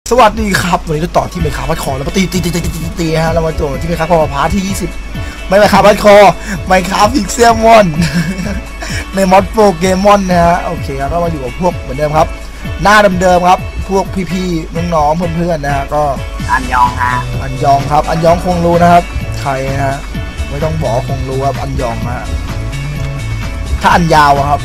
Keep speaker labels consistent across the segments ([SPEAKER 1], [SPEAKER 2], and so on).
[SPEAKER 1] สวัสดีครับวันนี้เราต่อที่เมคาพัดคอแล้วมาตีฮะเรามาตัวที่เมคาพอพาร์ทที่20ไม่เมคาพัดคอไมคาพิกเซลมอนในมอดโปรเกมอนนะฮะโอเคครับก็มาอยู่กับพวกเหมือนเดิมครับหน้าเดิมๆครับพวกพี่ๆน้องๆเพื่อนๆนะฮะก็
[SPEAKER 2] อันยองฮะ
[SPEAKER 1] อันยองครับอันยองคงรู้นะครับใครนะฮะไม่ต้องบอกคงรู้ครับอันยองฮะถ้าอันยาวครับ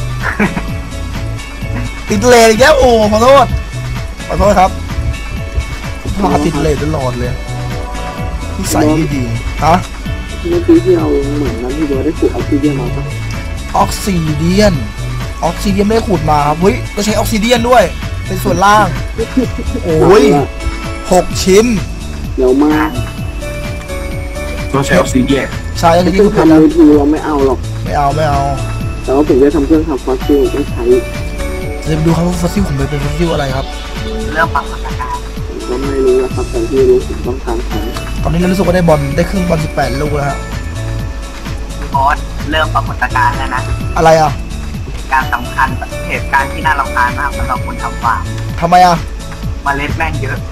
[SPEAKER 1] ติดเลนอีกแล้วโอ้ขอโทษครับพาติดเลนตลอดเลยที่ใส่ไม่ดีฮะ
[SPEAKER 3] เมื่อกี้ที่เราเหมือนนั้นที่เราได้ขุดออกซิเดียนมาปะ
[SPEAKER 1] ออกซิเดียนไม่ได้ขุดมาครับเฮ้ยก็ใช้ออกซิเดียนด้วยเป็นส่วนล่างโอ้ย6 ชิ้น
[SPEAKER 3] เดี๋ยวมา
[SPEAKER 4] ต้องใช้ออกซิเดียน
[SPEAKER 1] ใช่
[SPEAKER 3] ที่ทำมือถือเราไม่เอาหรอก
[SPEAKER 1] ไม่เอา
[SPEAKER 3] แต่ว่าผมจะทำเครื่องทำฟอสซิลต้องใช้
[SPEAKER 1] จะดูครับว่าฟอสซิลผมเป็นฟอสซิลอะไรครับ
[SPEAKER 2] เรื่องปรับสถานการณ์
[SPEAKER 3] ก็ไม่รู้นะครับแต่ที่รู้ผมต้องการทำ
[SPEAKER 1] ตอนนี้เรารู้สึกว่าได้บอลได้ครึ่งบอล18 ลูกแล้วฮะ
[SPEAKER 2] บอสเริ่มปรากฏการณ์แล้วนะ
[SPEAKER 1] อะไรอ่ะ
[SPEAKER 2] การสำคัญเหตุการณ์ที่น่ารำคาญมากสำหรับคนทำฟาร์ม
[SPEAKER 1] ทำไมอ่ะ
[SPEAKER 2] เมล็ดแม่งเยอะ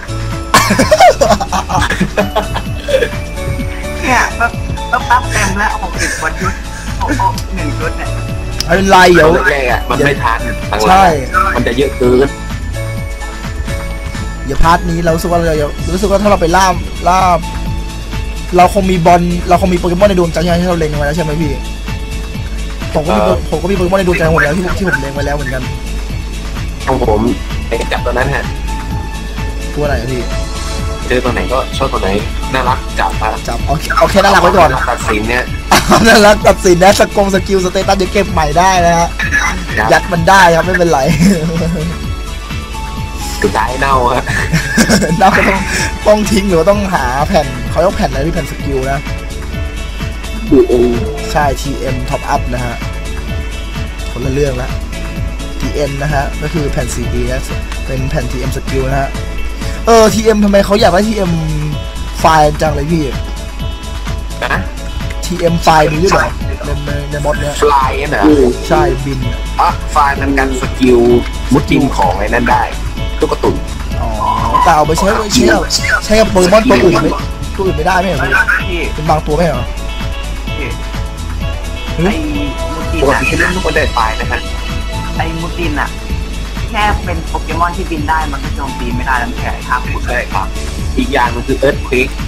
[SPEAKER 2] เนี่ยปั๊บเต็มแล้ว60 กว่าชุด1 ชุดเนี่ย
[SPEAKER 1] ไม่เป็นไรเดี๋ยว
[SPEAKER 4] แรกๆมันไม่ทัน
[SPEAKER 1] ใช่
[SPEAKER 4] มันจะเยอะเกิน
[SPEAKER 1] เดี๋ยวพาร์ทนี้เรารู้สึกว่าถ้าเราไปล่าเราคงมีโปเกมอนในดวงใจที่เราเล็งไว้แล้วใช่ไหมพี่ผมก็มีโปเกมอนในดวงใจหมดแล้วที่ผมเล็งไว้แล้วเหมือนกัน
[SPEAKER 4] ของผมไอ้จับตัวนั้นฮะ
[SPEAKER 1] ตัวไหนพี่
[SPEAKER 4] เจอตัวไหนก็ชอบตัวไหนน่ารักจับ
[SPEAKER 1] เอาแค่น่ารักไว้ก่อน
[SPEAKER 4] ตัดสินเนี่ย
[SPEAKER 1] น่ารักตัดสินนะสกิลสเตตัสเดี๋ยวเก็บใหม่ได้นะฮะยัดมันได้ครับไม่เป็นไร
[SPEAKER 4] สุดท้ายเน่าฮะ
[SPEAKER 1] เน่าก็ต้องทิ้งหรือว่าต้องหาแผ่นเขาเรียกแผ่นอะไรที่แผ่นสกิลนะ
[SPEAKER 3] TM
[SPEAKER 1] ใช่ TM Top Up นะฮะคนละเรื่องละ TM นะฮะก็คือแผ่น CD นะเป็นแผ่น TM สกิลนะฮะTM ทำไมเขาอยากได้ TM ไฟล์จังเลยพี่
[SPEAKER 4] นะ
[SPEAKER 1] TM ไฟล์มีด้วยเหรอในมอดเนี้ย
[SPEAKER 4] ไฟล์น่ะ
[SPEAKER 1] ใช่บิน
[SPEAKER 4] ไฟล์มันกันสกิลมุดจิมของไอ้นั่นได้ลูกกระตุ่น
[SPEAKER 1] แต่เอาไปใช้กับโปเกมอนตัวอื่นไม่ได้ไม่เหรอพี่เป็นบางตัวไม่เหรอ
[SPEAKER 2] ไอ้มูตินอะ
[SPEAKER 4] ที่เล่นทุกคนได้ไฟล์นะฮะ
[SPEAKER 2] ไอ้มูตินอะแค่เป็นโปเกมอนที่บินได้มันก็โจมตีไม่ได้แล้วแค่ครับ
[SPEAKER 4] ใช่ครับอีกอย่างนึงคือเอิร์ธควิก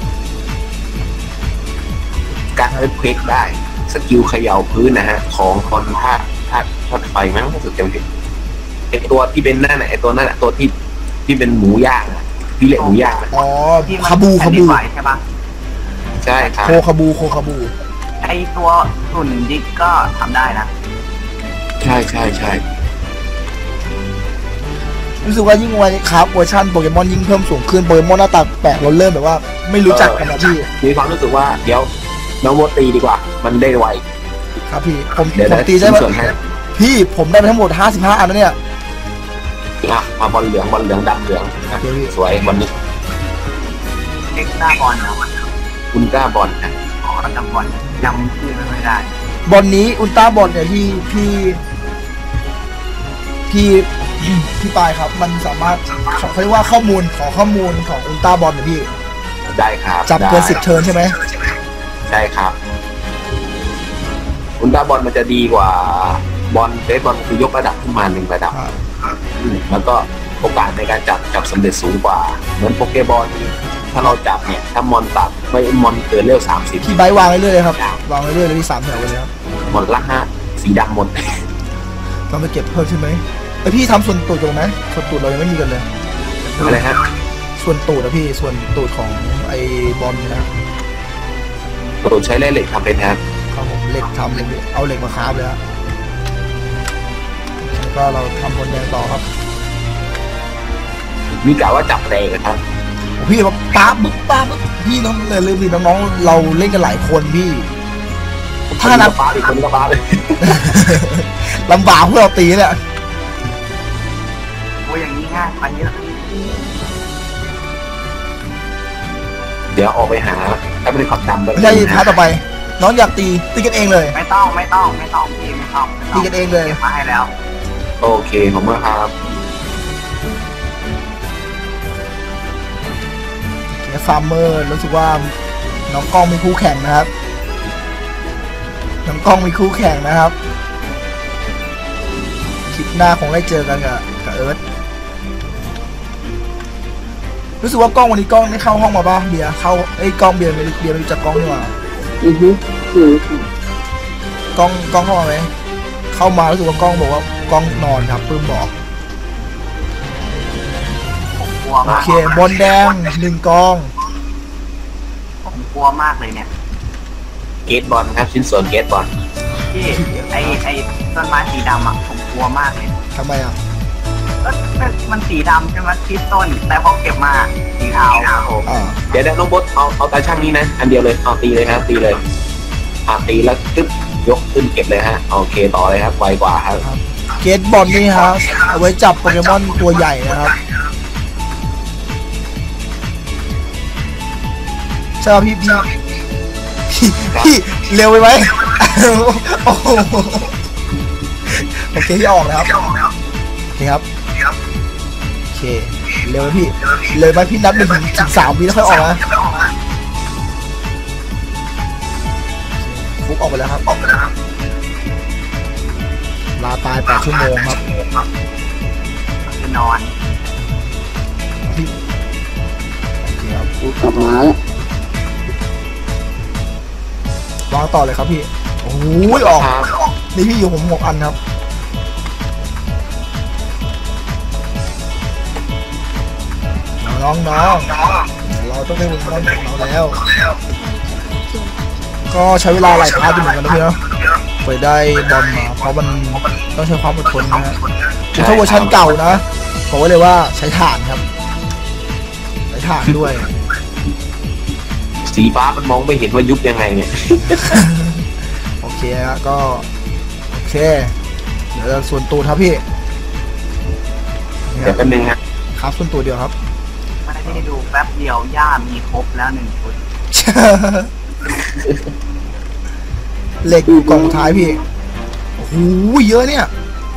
[SPEAKER 4] การเอิร์ธควิกได้สกิลเขย่าพื้นนะฮะของคนธาตุไฟมั้งรู้สึกจำผิดไอตัวที่เป็นนั่นไอตัวนั่นตัวที่เป็นหมูย่างที่เละหมูย่าง
[SPEAKER 1] อ๋อคาบู
[SPEAKER 2] ใช่ปะ
[SPEAKER 4] ใช่ครับ
[SPEAKER 1] โคคาบู
[SPEAKER 2] ไอตัวหุ่นดิกก็ทำได้นะ
[SPEAKER 4] ใช่
[SPEAKER 1] รู้สึกว่ายิ่งวันครับเวอร์ชันโปเกมอนยิ่งเพิ่มสูงขึ้นโปเกมอนหน้าตาแปลกเราเริ่มแบบว่าไม่รู้จักกันนะพี่
[SPEAKER 4] มีความรู้สึกว่าเดี๋ยวน้องโมตีดีกว่ามันได้ไว
[SPEAKER 1] ครับพี่ผมตีได้ไหมพี่ผมได้ไปทั้งหมด55 อันแล้วเนี่ย
[SPEAKER 4] มาบอลเหลืองดำเหลืองสวยบอลนี้
[SPEAKER 2] เอ็กซ์ต้าบอลนะ
[SPEAKER 4] อุลตร้าบอลนะ
[SPEAKER 2] จำบอลจำชื่อไม่ได้
[SPEAKER 1] บอลนี้อุลตร้าบอลเนี่ยพี่ปายครับมันสามารถเขาเรียกว่าข้อมูลของอุลตร้าบอลเนี่ยพี่
[SPEAKER 4] ได้ครับ
[SPEAKER 1] จับเกิน10 เทิร์นใช่ไหม
[SPEAKER 4] ใช่ครับอุลตร้าบอลมันจะดีกว่าบอลเบสบอลคือยกระดับขึ้นมา1 ระดับแล้วก็โอกาสในการจับสำเร็จสูงกว่าเหมือนโปเกบอลถ้าเราจับเนี่ยถ้ามอนตัดไม่มอนเกินเร็ว30
[SPEAKER 1] พี่ใบวางเรื่อยๆเลยครับวางเรื่อยๆเลยที่3 แถวเลยครับ
[SPEAKER 4] มอนละสีดำหมด
[SPEAKER 1] ต้องไปเก็บเพิ่มใช่ไหมไอพี่ทำส่วนตูดกันไหมส่วนตูดเรายังไม่มีกันเลย
[SPEAKER 4] อะไรฮะ
[SPEAKER 1] ส่วนตูดนะพี่ส่วนตูดของไอบอลนะ
[SPEAKER 4] ตูดใช้เหล็กทำเป็นครับ
[SPEAKER 1] ผมเหล็กทำเลยเอาเหล็กมาคราฟเลยครับก็เราทำบนแดงต่อครับ
[SPEAKER 4] มีกล่าวว่าจับแรงนะครับ
[SPEAKER 1] พี่แบบป๊าบพี่น้องเลยลืมพี่น้องเราเล่นกันหลายคนพี่
[SPEAKER 4] ถ้านับป๊าอีกคนก็ป๊าเลย
[SPEAKER 1] ลำบากพวกเราตีเนี่ย
[SPEAKER 2] โอ้ยอย่างนี้ง่ายมันเยอะ
[SPEAKER 4] เดี๋ยวออกไปหาถ้าไม่ได้ขับดำไป
[SPEAKER 1] ใช่ท้าต่อไปน้องอยากตีกันเองเลย
[SPEAKER 2] ไม่ต้องพี่ไม่ต้อง
[SPEAKER 1] ตีกันเองเลย
[SPEAKER 2] มาให้แล้ว
[SPEAKER 4] โอเคผมเมื่อครับ
[SPEAKER 1] ฟาร์มเมอร์รู้สึกว่าน้องกล้องมีคู่แข่งนะครับน้องกล้องมีคู่แข่งนะครับคลิปหน้าคงได้เจอกันกับเอิร์ธรู้สึกว่ากล้องวันนี้กล้องได้เข้าห้องมาบ้างเบียร์เข้ากล้องเบียร์ไม่รู้จักกล้องนี่หว่า
[SPEAKER 3] คือค่ะ
[SPEAKER 1] กล้องเข้ามาไหมเข้ามารู้สึกว่ากล้องบอกว่ากล้องนอนครับปื้มบอก
[SPEAKER 2] ผมกลัว
[SPEAKER 1] โอ
[SPEAKER 2] มาก
[SPEAKER 1] เคบอลแดง1 กอง
[SPEAKER 2] ผมกลัวมากเลยเนี่ย
[SPEAKER 4] เกตบอลครับชิ้นส่วนเกตบอล
[SPEAKER 2] ที่ไอต้นไม้สีดำอ่ะผมกลัวมากเลย
[SPEAKER 1] ทำไมอ่ะ
[SPEAKER 2] มันสีดำใช่ไหมที่ต้นแต่พอเก็บมาสีขาว
[SPEAKER 1] อ่า
[SPEAKER 4] เดี๋ยวน้องบดเอาตาช่างนี้นะอันเดียวเลยเอาตีเลยครับตีเลยตีแล้วตึ๊บยกขึ้นเก็บเลยฮะโอเคต่อเลยครับไวกว่าครับ
[SPEAKER 1] เกตบอลนี่ครับเอาไว้จับโปเกมอนตัวใหญ่นะครับใช่ป่ะพี่เร็วไปไหมโอ้โหโอเคที่ออกแล้วครับโอเคครับโอเคเร็วไหมพี่เร็วไหมพี่นับ1 ถึง 3 วิแล้วค่อยออกนะฟุกออกไปแล้วครับลาตาย8 ชั่วโมงครับ
[SPEAKER 2] คือนอน
[SPEAKER 1] พี่โอเคครับ
[SPEAKER 3] กลับมาแล้ว
[SPEAKER 1] วางต่อเลยครับพี่โอ้ยออกนี่พี่อยู่ผม6 อันครับน้องเราต้องได้วงบอลของเราแล้ว ก็ใช้เวลาหลายพาร์ทอยู่เหมือนกันนะพี่เนาะไปได้บอลมาเพราะมันต้องใช้ความอดทนนะฮะถ้าเวอร์ชันเก่านะบอกไว้เลยว่าใช้ถ่านครับใช้ถ่านด้วย
[SPEAKER 4] สีฟ้ามันมองไม่เห็นว่ายุบยังไงเนี่ย
[SPEAKER 1] โอเคฮะก็โอเคเดี๋ยวส่วนตัวครับพี่
[SPEAKER 4] เดี๋ยวแป๊บนึงฮะ
[SPEAKER 1] ครับส่วนตัวเดียวครับ
[SPEAKER 2] ไม่ได้ดูแป๊บเดียวหญ้ามีครบแล้ว1 ชุด
[SPEAKER 1] เหล็กอยู่กล่องท้ายพี่โอ้โหเยอะเนี่ย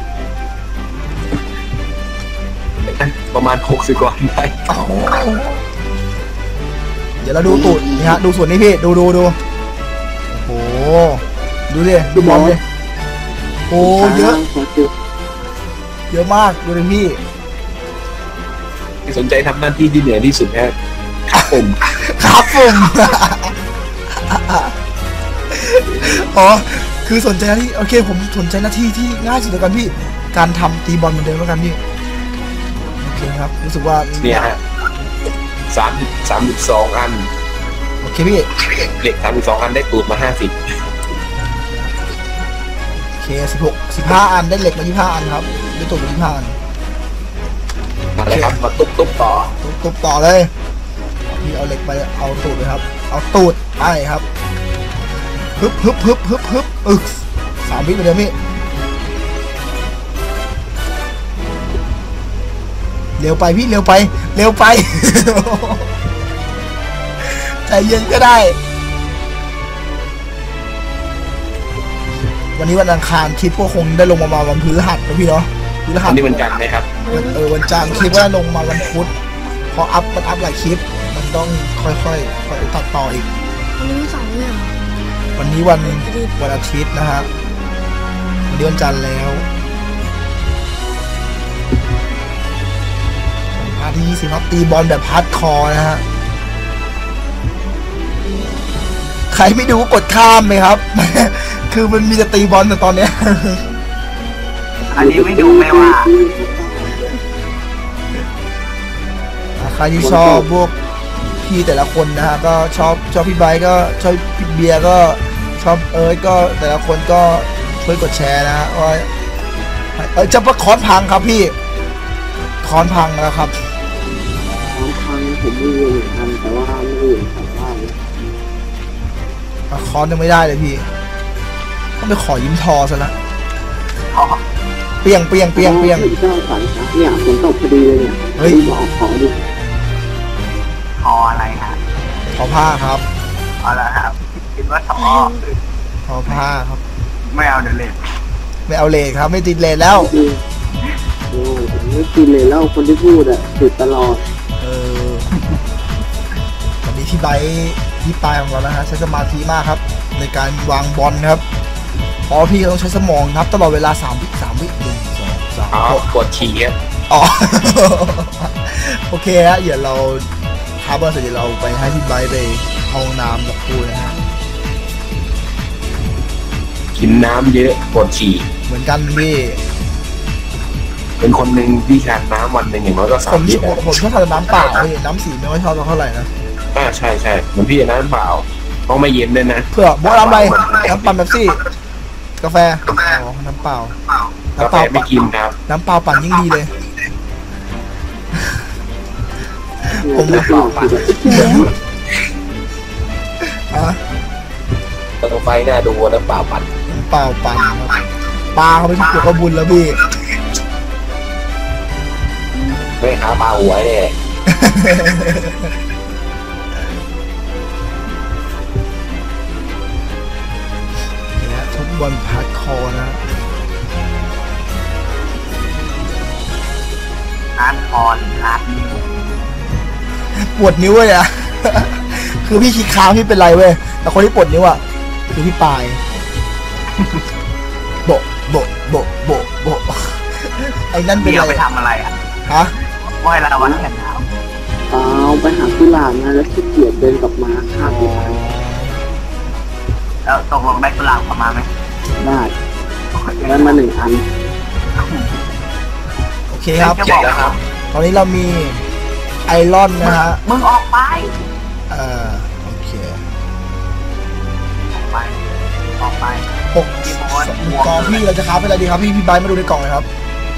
[SPEAKER 4] ประมาณ60 กว่าได้
[SPEAKER 1] โอ้โหเดี๋ยวเราดูตูดนี่ฮะดูส่วนนี้พี่ดูโอ้โหดูดิดูบอลดิโอ้เยอะเยอะมากดูดิพี่
[SPEAKER 4] ที่สนใจทำหน้าที่ที่เหนื่อยที่สุดนะครับผม
[SPEAKER 1] ครับผมอ๋อคือสนใจหน้าที่โอเคผมสนใจหน้าที่ที่ง่ายสุดแล้วกันพี่การทำตีบอลเหมือนเดิมแล้วกันพี่โอเคครับรู้สึกว่า
[SPEAKER 4] เนี่ยฮะ32 อัน
[SPEAKER 1] โอเคพี่
[SPEAKER 4] เหล็ก32 อันได้ตูดมา50
[SPEAKER 1] โอเค15 อันได้เหล็กมา25 อันครับได้ตูดมา25 อัน
[SPEAKER 4] มาเลยครับมาตุ๊บต่อ
[SPEAKER 1] ตุบต่อเลยพี่เอาเหล็กไปเอาตูดเลยครับเอาตูดไปครับฮึบอึก3 วิไปเดี๋ยวพี่เร็วไปพี่เร็วไปใจเย็นก็ได้วันนี้วันอังคารคลิปก็คงได้ลงมาวันพฤหัสนะพี่เนาะพฤหั
[SPEAKER 4] อั
[SPEAKER 1] ส
[SPEAKER 4] นนี้มันกันไหมครับ
[SPEAKER 1] วันจันทร์คลิปว่าลงมาวันพุธพอมันอัพหลายคลิปมันต้องค่อยตัดต่ออีก
[SPEAKER 5] วันนี้วันเสาร์เนี่ยเหรอ
[SPEAKER 1] วันนี้วันอาทิตย์นะฮะวันนี้วันจันทร์แล้วพาร์ทที่20ครับตีบอลแบบฮาร์ดคอร์นะฮะใครไม่ดูก็กดข้ามเลยครับ คือมันมีแต่ตีบอลแต่ตอนเนี้ย
[SPEAKER 2] อันนี้ไม่ดูไม่ว่า
[SPEAKER 1] ใครที่ชอบพวกพี่แต่ละคนนะฮะก็ชอบพี่ไบค์ก็ชอบพี่เบียร์ก็ชอบเอิร์ธก็แต่ละคนก็ช่วยกดแชร์นะฮะว่าจะประคอนพังครับพี่คอนพังแล้วครับ
[SPEAKER 3] ของทางผมไม่รู้เหมือนกันแต่ว่าไม่รู้เหมือนกันว่า
[SPEAKER 1] คอนยังไม่ได้เลยพี่ต้องไปขอยิ้มทอซะละ
[SPEAKER 2] ขอ
[SPEAKER 1] เปียง
[SPEAKER 3] เจ้าสายนะเนี่ยฝนตกพอดีเลยเนี่ย
[SPEAKER 1] เฮ้ย
[SPEAKER 3] บอกขอดู
[SPEAKER 2] ขออะไรฮะ
[SPEAKER 1] ทอผ้าครับ
[SPEAKER 2] เอาละครับคิดว่าขอ
[SPEAKER 1] ทอผ้าครับ
[SPEAKER 2] ไม่เอาเดี๋ยวเลย
[SPEAKER 1] ไม่เอาเลทครับไม่ติดเลทแล้ว
[SPEAKER 3] โอ้ผมไม่กินเลยแล้วคนที่พูดอ่ะติดตลอด
[SPEAKER 1] เออพี่ไบค์พี่ปลายของเรานะฮะใช้สมาธิมากครับในการวางบอลครับเพราะพี่ต้องใช้สมองนับตลอดเวลา3 วิ1 2 3
[SPEAKER 4] อ๋อกดฉี่ครับ
[SPEAKER 1] อ๋อ โอเคฮะเดี๋ยวเราท้าบอลเสร็จเดี๋ยวเราไปให้พี่ไบค์ไปห้องน้ำกับครูนะฮะ
[SPEAKER 4] กินน้ำเยอะปวดฉี่
[SPEAKER 1] เหมือนกันพี่
[SPEAKER 4] เป็นคนหนึ่งที่ทานน้ำวันหนึ่งอย่างน้อยก็
[SPEAKER 1] ผม
[SPEAKER 4] 3 ลิตร
[SPEAKER 1] ผมชอบทานน้ำเปล่าพี่น้ำสีไม่ค่อยชอบเท่าไหร่นะ
[SPEAKER 4] ใช่ใช่เหมือนพี่น้ำเปล่าต้องไม่เย็นด้วยนะ
[SPEAKER 1] เพื่อโบ๊ทน้ำอะไรน้ำปั่นแบบซี่กาแฟอ๋อน้ำเปล่าก
[SPEAKER 4] าแฟไม่กินครับ
[SPEAKER 1] น้ำเปล่าปั่นยิ่งดีเลย ผม
[SPEAKER 3] ไม่ปลอดภัย
[SPEAKER 1] อ่ะ
[SPEAKER 4] ตัวไฟน่าดูน้ำเปล่าปั่น
[SPEAKER 1] น้ำเปล่าปั่นครับปลาเขาไม่ใช่ปลวกกระบุญแล้วพี่
[SPEAKER 4] ไม่หาปลาหัวเนี่ย
[SPEAKER 1] เนี่ยทุกบอลพาร์ดคอร์นะ
[SPEAKER 2] อาร์ตคอนอาร์ตนิว
[SPEAKER 1] ปวดนิ้วเลยอะ คือพี่คิดค้างพี่เป็นไรเว้ยแต่คนที่ปวดนิ้วอะคือพี่ปลาย โบะโบะโบะโบะโบะไอ้นั่นเป็น
[SPEAKER 2] เดี๋ยว
[SPEAKER 1] ไร
[SPEAKER 2] ไปทำอะไรอ่ะ
[SPEAKER 1] ฮะ
[SPEAKER 2] ว่ายละวันกันหนาว
[SPEAKER 3] เอาไปหากุหลาบนะแล้วขี้เกียจเดินกลับมาข้ามไปทาง
[SPEAKER 2] แล้วตกลงได้กุหลาบกลับมาไหม
[SPEAKER 3] ได้ได้มา1 อัน
[SPEAKER 1] โอเคครับ
[SPEAKER 2] จะบอกนะครับ
[SPEAKER 1] ตอนนี้เรามีไอรอนนะฮะ
[SPEAKER 2] มึงออกไป
[SPEAKER 1] โอเค
[SPEAKER 2] ออกไปออกไป
[SPEAKER 1] 6กองพี่เราจะค้าเป็นอะไรดีครับพี่ไบร์ทมาดูในกล่องเลยครับ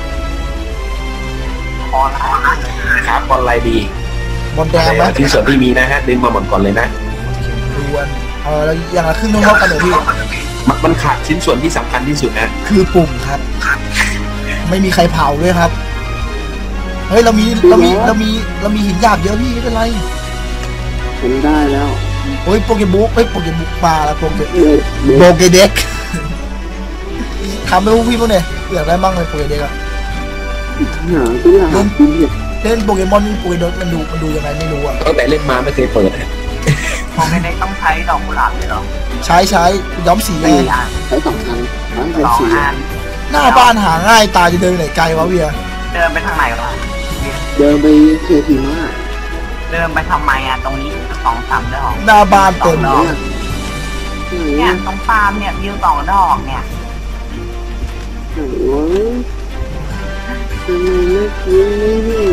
[SPEAKER 2] คอร้าย
[SPEAKER 4] ครับบอลอะไรดี
[SPEAKER 1] บอลแดงไหม
[SPEAKER 4] ที่ส่วนที่มีนะฮะดึงมาหมดก่อนเลยนะ
[SPEAKER 1] ดวนแล้วอย่างละครึ่งเท่ากันเลยพี่
[SPEAKER 4] มันขาดชิ้นส่วนที่สำคัญที่สุดนะ
[SPEAKER 1] คือปุ่มครับ ไม่มีใครเผาด้วยครับ เฮ้ยเรามีหินหยาบเยอะพี่ไม่เป็นไร
[SPEAKER 3] ผมได้แล้ว
[SPEAKER 1] โอ้ยโปเกบุ๊กโปเกบุ๊กมาแล้วโปเก
[SPEAKER 3] เด็ก
[SPEAKER 1] โปเกเด็กทำไปพวกพี่พวกเนี่ยอยากได้มั่งเลยโปเกเด็กอะ
[SPEAKER 3] หากุหลาบกินเนี่ย
[SPEAKER 1] เล่นโปเกมอนโปเกเด็กมันดูยังไงไม่รู้อะ
[SPEAKER 4] ตั้งแต่เล่นมาไม่เคยเปิด
[SPEAKER 2] คงไม่ได้ต้องใช้ดอกกุหลาบเลยเหรอ
[SPEAKER 1] ใช้ย้อมสีไง
[SPEAKER 2] 4 อัน
[SPEAKER 3] ใช้2 อันแล้วเป็น
[SPEAKER 2] 2
[SPEAKER 3] สี
[SPEAKER 2] อัน
[SPEAKER 1] หน้าบ้านหาง่ายตาจะเดินไหนไกลวะเวีย
[SPEAKER 2] เดินไปทางไหนวะ
[SPEAKER 3] เดินไปเคทีมา
[SPEAKER 2] เดินไปทำไมอ่ะตรงนี้2-3 ดอก
[SPEAKER 1] หน้าบ้านเต็ม
[SPEAKER 2] ด
[SPEAKER 1] เล
[SPEAKER 2] อก
[SPEAKER 1] ย
[SPEAKER 2] เนี่ยตรงฟาร์มเนี่ยมีอยู่2 ดอกเนี่ย
[SPEAKER 3] โอ้ยทำไมไม่คิดไม่เห็น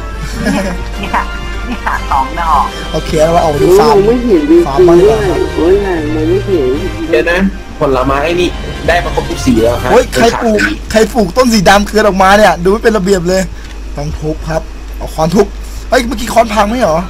[SPEAKER 2] เนี่ย2 ดอก
[SPEAKER 1] โอเคแล้วเราออก
[SPEAKER 3] โอ้
[SPEAKER 1] ดู
[SPEAKER 3] ย
[SPEAKER 1] ฟาร์ม
[SPEAKER 3] ไม่เห็นดี
[SPEAKER 1] ฟาร์ม
[SPEAKER 3] จริง
[SPEAKER 1] มาดี
[SPEAKER 3] ด้
[SPEAKER 1] ก
[SPEAKER 3] ว
[SPEAKER 1] ว่าย ครับ
[SPEAKER 3] โอ้ยไงมันไม่เห็น
[SPEAKER 4] เดี๋ยวนะผลไม้นี่ได้มาครบทุกสีแล้วครับ
[SPEAKER 1] โอ้ยใครปลูกต้นสีดำเกิดออกมาเนี่ย ดูไม่เป็นระเบียบเลยต้องทุบครับเอาค้อนทุบเฮ้ยเมื่อกี้ค้อนพังไหมเหรอ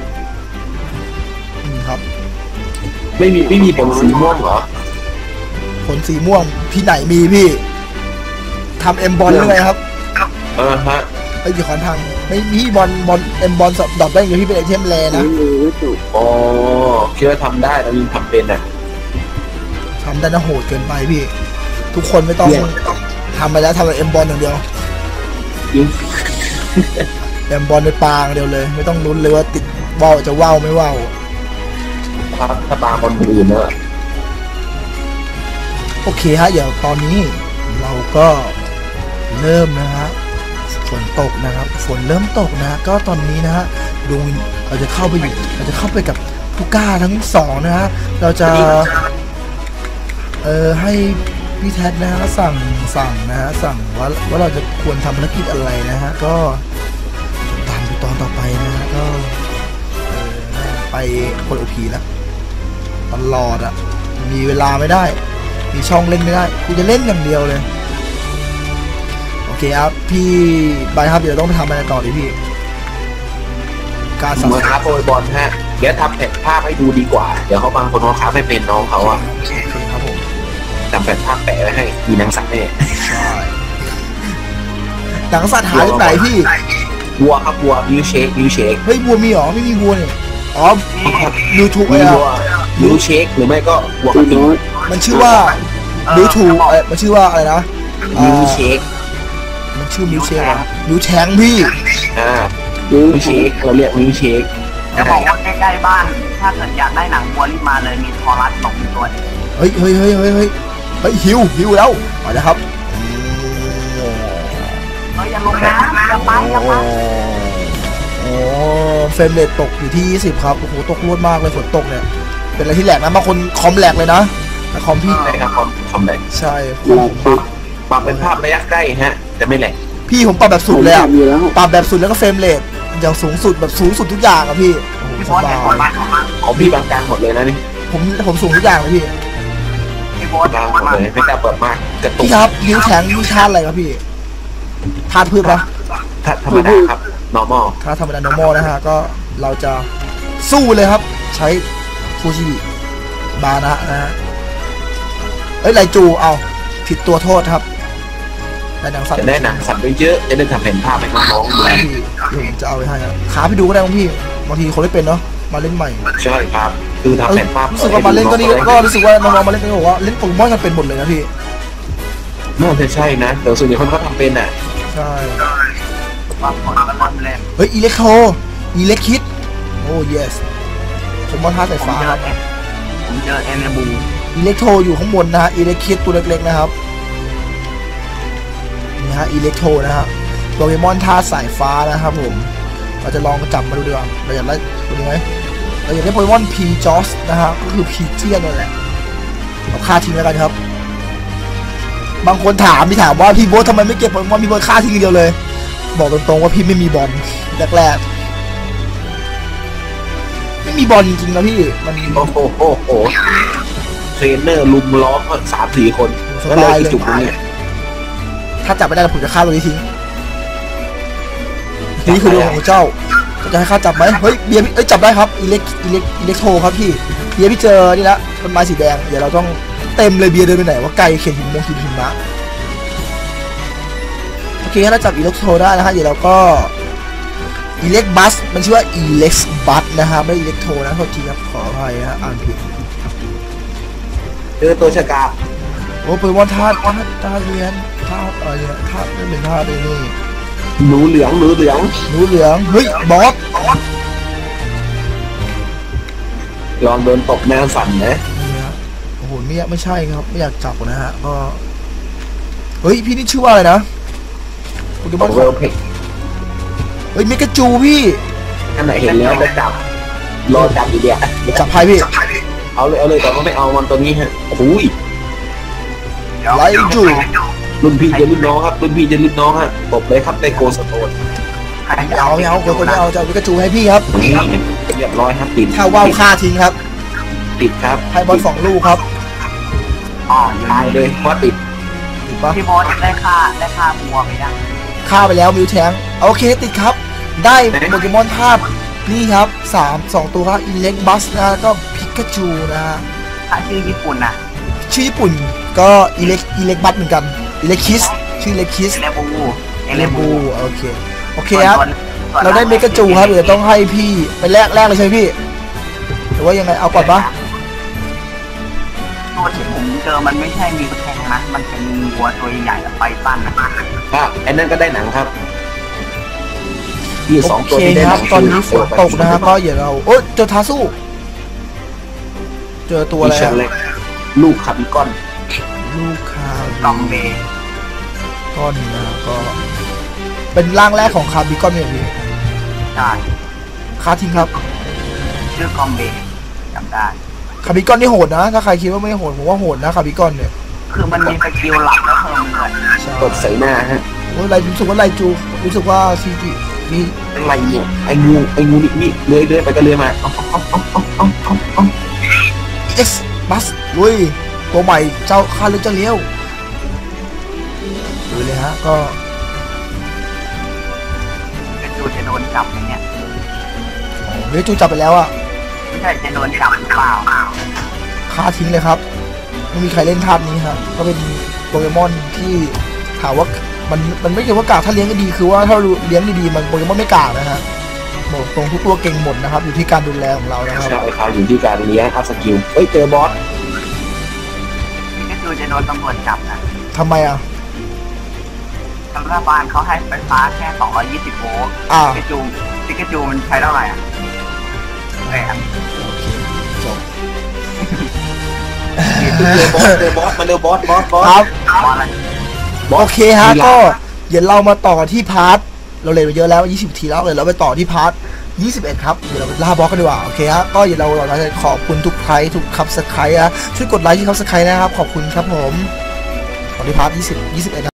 [SPEAKER 1] ครับ
[SPEAKER 4] ไม่มีผลสีม่วงเหรอ
[SPEAKER 1] ผลสีม่วงพี่ไหนมีพี่ทำเอ็มบอลหรือไงครับ
[SPEAKER 4] ฮะ
[SPEAKER 1] ไอ้ยี่ค้อนพังไม่มีบอลเอ็มบอลดรอปได้อย่างเดียวพี่เป็นไอเทมแรนะ
[SPEAKER 3] ไม่รู้ว่าจบ
[SPEAKER 4] อ๋อคิดว่าทำได้แต่ยังทำเป็นอ่ะ
[SPEAKER 1] ทำได้นะโหดเกินไปพี่ ทุกคนไม่ต้องทำไปแล้วทำแต่เอ็มบอลอย่างเดียว
[SPEAKER 4] จริง
[SPEAKER 1] เอ็มบอลในปางเดียวเลย ไม่ต้องลุ้นเลยว่าติดว่าวจะว่าวไม่ว่าว
[SPEAKER 4] ถ้าปลาคนอื่นเนอะ
[SPEAKER 1] โอเคฮะเดี๋ยวตอนนี้เราก็เริ่มนะฮะฝนตกนะครับฝนเริ่มตกนะฮะก็ตอนนี้นะฮะดวงวิญเราจะเข้าไปกับผู้กล้าทั้งสองนะฮะเราจะให้พี่แท็ดนะฮะสั่งนะฮะสั่งว่าเราจะควรทำภารกิจอะไรนะฮะก็ตามดูตอนต่อไปนะฮะก็ไปคนโอพีแล้วตลอดอ่ะมีเวลาไม่ได้มีช่องเล่นไม่ได้กูจะเล่นอย่างเดียวเลยโอเคครับพี่บายครับเดี๋ยวต้องไปทำอะไรต่อดิพี่การสั่ง
[SPEAKER 4] มาค้าโปรยบอลฮะเดี๋ยวทำแผ่นภาพให้ดูดีกว่าเดี๋ยวเขาบางคนเขาค้าไม่เป็นน้องเขาอ่ะ
[SPEAKER 1] โอเคครับผม
[SPEAKER 4] ทำแผ่นภาพแปะไว้ให้มีหนังสัตว์เนี่ย
[SPEAKER 1] ใช่หนังสัตว์หายไปไหนพี่
[SPEAKER 4] วัวครับวัวมิวเชค
[SPEAKER 1] เฮ้ยวัวมีหรอไม่มีวัวเนี่ยอ๋อ YouTube
[SPEAKER 4] มี
[SPEAKER 1] ไอ้
[SPEAKER 4] วัวมิวเชคหรือไม่ก็วัวก
[SPEAKER 3] คุ
[SPEAKER 4] ระ
[SPEAKER 3] ณ
[SPEAKER 4] ทิง
[SPEAKER 3] โน้ต
[SPEAKER 1] มันชื่อว่า YouTube มันชื่อว่าอะไรนะ
[SPEAKER 4] มิวเชค
[SPEAKER 1] มันชื่อมิวเชคมิวแชงพี่
[SPEAKER 4] อ่า
[SPEAKER 3] ดู
[SPEAKER 4] มิวเชคเราเรียกมิวเชค
[SPEAKER 2] จะบอกว่าใกล้ๆบ้าน ถ้าเกิดอยากได้หนังวัวรีบมาเลยมีทอรัสหลงตัวนึง
[SPEAKER 1] เฮ้ยหิวแล้วมาแล้วครับ
[SPEAKER 2] อย่าลงนะอย่าไปอย่าไป
[SPEAKER 1] โอ้เฟรมเรทตกอยู่ที่20ครับโอ้โหตกรวดมากเลยฝนตกเนี่ยเป็นอะไรที่แหลกนะบางคนคอมแหลกเลยนะแต่คอมพี่
[SPEAKER 4] ใช่ครับคอมแบก
[SPEAKER 1] ใช่
[SPEAKER 4] ปรับเป็นภาพระยะใกล้ฮะจะไม่แหลก
[SPEAKER 1] พี่ผมปรับแบบสุดเลยอะ
[SPEAKER 3] อยู่แล้ว
[SPEAKER 1] ปรับแบบสุดแล้วก็เฟรมเรทอย่างสูงสุดแบบสูงสุดทุกอย่างอะพี่โอ้โห
[SPEAKER 2] พี่
[SPEAKER 1] ส
[SPEAKER 2] โบ๊ท
[SPEAKER 1] บา
[SPEAKER 2] เห็นคน
[SPEAKER 1] ย
[SPEAKER 2] บ้านของมัน
[SPEAKER 4] ของพี่บางกลางหมดเลยนะนี่
[SPEAKER 1] ผมสูงทุกอย่างเลยพี่
[SPEAKER 2] พี่โบ๊ท
[SPEAKER 4] บางหมดเลยไม่กล้าเปิดมากกระตุก
[SPEAKER 1] พี่ครับนิ้วแข็งนิ้วชาติอะไรครับพี่ธาตุพืชปะ
[SPEAKER 4] ถ้าธรรมดาครับ normal
[SPEAKER 1] ถ้าธรรมดา normal นะฮะก็เราจะสู้เลยครับ ใช้ฟูจิบานะนะฮะเอ้ยไรจูเอาผิดตัวโทษครับแต่หนังสัตว์
[SPEAKER 4] จะได้หนังสัตว์เยอะๆจะได้ทำเป็นภาพให้น้องๆดู
[SPEAKER 1] พี่เดี๋ยวผมจะเอาไปให้ครับขาพี่ดูก็ได้บางพี่บางทีคนไม่เป็นเนาะมาเล่นใหม่
[SPEAKER 4] ใช่ครับ คือทำเป็นภาพ
[SPEAKER 1] รู้สึกว่ามาเล่นก็นี่ก็รู้สึกว่าน้องๆมาเล่นก็บอกว่าเล่นโปเกมอนกันเป็นหมดเลยนะพี่
[SPEAKER 4] น่าจะใช่นะเดี๋ยวส่วนใหญ่คนเขาทำเป็นอ่ะ
[SPEAKER 1] ใช่
[SPEAKER 2] บางคนก็เล่นเล่น
[SPEAKER 1] เฮ้ยอิเล็กโทอิเล็กคิดโอ้ yes โปเกมอนท่าสายฟ้าครับ
[SPEAKER 2] ผมเจอเอเนบู
[SPEAKER 1] อิเล็กโทอยู่ข้างบนนะฮะอิเล็กคิดตัวเล็กๆนะครับนี่ฮะอิเล็กโทนะฮะโปเกมอนท่าสายฟ้านะครับผมเราจะลองจับมาดูดีกว่าเราอยากได้ตัวนี้ไหมเราอยากได้โปเกมอนพีจอสนะฮะก็คือพีเจียนนั่นแหละเอาฆ่าทิ้งแล้วกันครับบางคนถามว่าพี่โบ๊ททำไมไม่เก็บโปเกมอนพี่โบ๊ทฆ่าทิ้งเดียวเลยบอกตรงๆว่าพี่ไม่มีบอลแรกๆไม่มีบอลจริงๆนะพี่มัน
[SPEAKER 4] โอ้โหเทรนเนอร์ลุมล้อมกัน3-4 คน
[SPEAKER 1] ส
[SPEAKER 4] แล้วเล
[SPEAKER 1] บาย
[SPEAKER 4] ย
[SPEAKER 1] เลย
[SPEAKER 4] จุดนี้
[SPEAKER 1] ถ้าจับไม่ได้ผมจะฆ่าตัวนี้ทิ้งนี่คือดวงของเจ้าจะให้ข้าจับไหมเฮ้ยเบียร์พี่จับได้ครับอิเล็กโทครับพี่เบียร์พี่เจอนี่ละต้นไม้สีแดงเดี๋ยวเราต้องเต็มเลยเบียร์เดินไปไหนว่าไกลเขียนหินมะโอเคถ้าจับอิเล็กโทได้นะฮะเดี๋ยวเราก็อิเล็กบัสมันชื่อว่าอิเล็กบัสนะฮะไม่อิเล็กโทนะโทษทีครับขออภัยฮะอ่านผิด
[SPEAKER 4] เจอตัวชะกา
[SPEAKER 1] โอ้เป็นว่าธาตุเรียนธาตุอะไรเนี่ยธาตุไม่เป็นธาตุเลยนี่
[SPEAKER 4] หนูเหลือง
[SPEAKER 1] หนูเหลืองเฮ้ยบอส
[SPEAKER 4] ลองโดนตบแม่สั่นนะ
[SPEAKER 1] นี่ฮะโอ้โหไม่ใช่ครับไม่อยากจับนะฮะก็เฮ้ยพี่นี่ชื่อว่าอะไรนะโปเกมอน
[SPEAKER 4] เวลเพก
[SPEAKER 1] เฮ้ยเมกาจูพี่
[SPEAKER 4] อันไหนเห็นแล้วก็จับรอจับอีเดีย
[SPEAKER 1] จับไพ่พี่
[SPEAKER 4] เอาเลยแต่ว่าไม่เอามันตัวนี้ฮะโอ้ย
[SPEAKER 1] ไลจู
[SPEAKER 4] รุ่นพี่จะรุ่นน้องครับรุ่นพี่จะรุ่นน้องฮะตบเลยครับในโกสโตน
[SPEAKER 1] ไม่เอาคนไม่เอาจะเอาเมกาจูให้พี่ครับ
[SPEAKER 4] นี่เรียบร้อยครับติด
[SPEAKER 1] ถ้าว่าวฆ่าทิ้งครับ
[SPEAKER 4] ติดครับ
[SPEAKER 1] ให้บอล2 ลูกครับ
[SPEAKER 2] อ๋อ
[SPEAKER 4] ตายเลยเพราะติด
[SPEAKER 1] ถูกปะ
[SPEAKER 2] พี่โบ๊ทได้ค่าบัวไปยัง
[SPEAKER 1] ฆ่าไปแล้วมิวแทงโอเคติดครับ ได้โปเกมอนธาตุนี่ครับ2 ตัวครับอิเล็กบัสนะแล้วก็พิกาจูนะฮะ
[SPEAKER 2] ถ้าชื่อญี่ปุ่นน่ะ
[SPEAKER 1] ชื่อญี่ปุ่นก็อิเล็กบัสเหมือนกันอิเล็กคิสชื่ออิเล็กคิส
[SPEAKER 2] เอเลบู
[SPEAKER 1] โอเคครับเราได้เมกาจูครับเดี๋ยวต้องให้พี่ไปแลกเลยใช่ไหมพี่หรือว่ายังไงเอาก่อนปะ
[SPEAKER 2] ตัวที่ผมเจอมันไม่ใช่มีแทงนะมันเป็นวัวตัวใหญ่ๆไปสั้นนะ
[SPEAKER 4] ไอ้นั่นก็ได้หนังครับที่
[SPEAKER 1] โอ
[SPEAKER 4] 2
[SPEAKER 1] เค
[SPEAKER 4] ตัวที่ได้
[SPEAKER 1] ค
[SPEAKER 4] ห
[SPEAKER 1] รั
[SPEAKER 4] นั
[SPEAKER 1] บ
[SPEAKER 4] ง
[SPEAKER 1] ตอนนี้ฝนตกนะฮะก็อย่าเราโอ๊ยเจอทาสู้เจอตัวอะไร
[SPEAKER 4] เชนเล็กลูกคาบิกอน
[SPEAKER 1] ลูกคาก
[SPEAKER 2] อมเบ
[SPEAKER 1] ก้อนนะก็เป็นร่างแรกของคาร์บิคอนเนี่ยพี่
[SPEAKER 2] ใช่
[SPEAKER 1] คาทิ้งครับ
[SPEAKER 2] ชื่อกอมเบจำได้
[SPEAKER 1] คาร์บิคอนนี่โหดนะถ้าใครคิดว่าไม่โหดผมว่าโหดนะคาร์บิคอนเนี่ย
[SPEAKER 2] คือมันมีสกิลหลักแล้วเพิ่มเงิน
[SPEAKER 1] ใช่
[SPEAKER 4] กดใส่หน้าฮะ
[SPEAKER 1] โอ้ยไรรู้สึกว่าไรจูรู้สึกว่าซีจีนี่
[SPEAKER 4] อะไรเนี่ยไอ้งูนี่เลื้อยไปก็เลื้อยมาเอา
[SPEAKER 1] เอ็กซ์บัสลุยตัวใหม่เจ้าคาเลือเจ้าเลี้ยวดูเลยฮะก็
[SPEAKER 2] เป็นจูจะโดนจับไหมเนี่ย
[SPEAKER 1] เลือจูจับไปแล้วอะ
[SPEAKER 2] ไม่ใช่จะโดนจับหรือเปล่า
[SPEAKER 1] ฆ่าทิ้งเลยครับไม่มีใครเล่นธาตุนี้ครับก็เป็นโปเกมอนที่ถามว่ามันไม่ใช่ว่ากากถ้าเลี้ยงก็ดีคือว่าถ้าเลี้ยงดีๆมันโปเกมอนไม่กากนะฮะบอกตรงทุกตัวเก่งหมดนะครับอยู่ที่การดูแลของเรานะครับ
[SPEAKER 4] ใช่ครับอยู่ที่การเลี้ยงอัพสกิลเฮ้ยเจอบอส
[SPEAKER 2] พิกาจูจะโดนตำรวจจับนะ
[SPEAKER 1] ทำไมอ่ะ
[SPEAKER 2] รัฐบาลเขาให้ไฟฟ้าแค่220 โวลต์
[SPEAKER 1] อ่า
[SPEAKER 2] พิกาจูมันใช้เท่าไหร่อ่ะไงครับ
[SPEAKER 1] โอเคจบ
[SPEAKER 4] เจอบอสมาเร็วบอส
[SPEAKER 1] ครับ
[SPEAKER 2] บอลอะไร
[SPEAKER 1] โอเคฮะก็เดี๋ยวเรามาต่อกันที่พาร์ทเราเล่นมาเยอะแล้ว20ทีแล้วเลยเราไปต่อที่พาร์ท21ครับเดี๋ยวเราไปล่าบอสกันดีกว่าโอเคฮะก็เดี๋ยวเราจะขอบคุณทุกไลค์ทุกซับสไครต์ช่วยกดไลค์ที่ซับสไครต์นะครับขอบคุณครับผมต่อที่พาร์ท21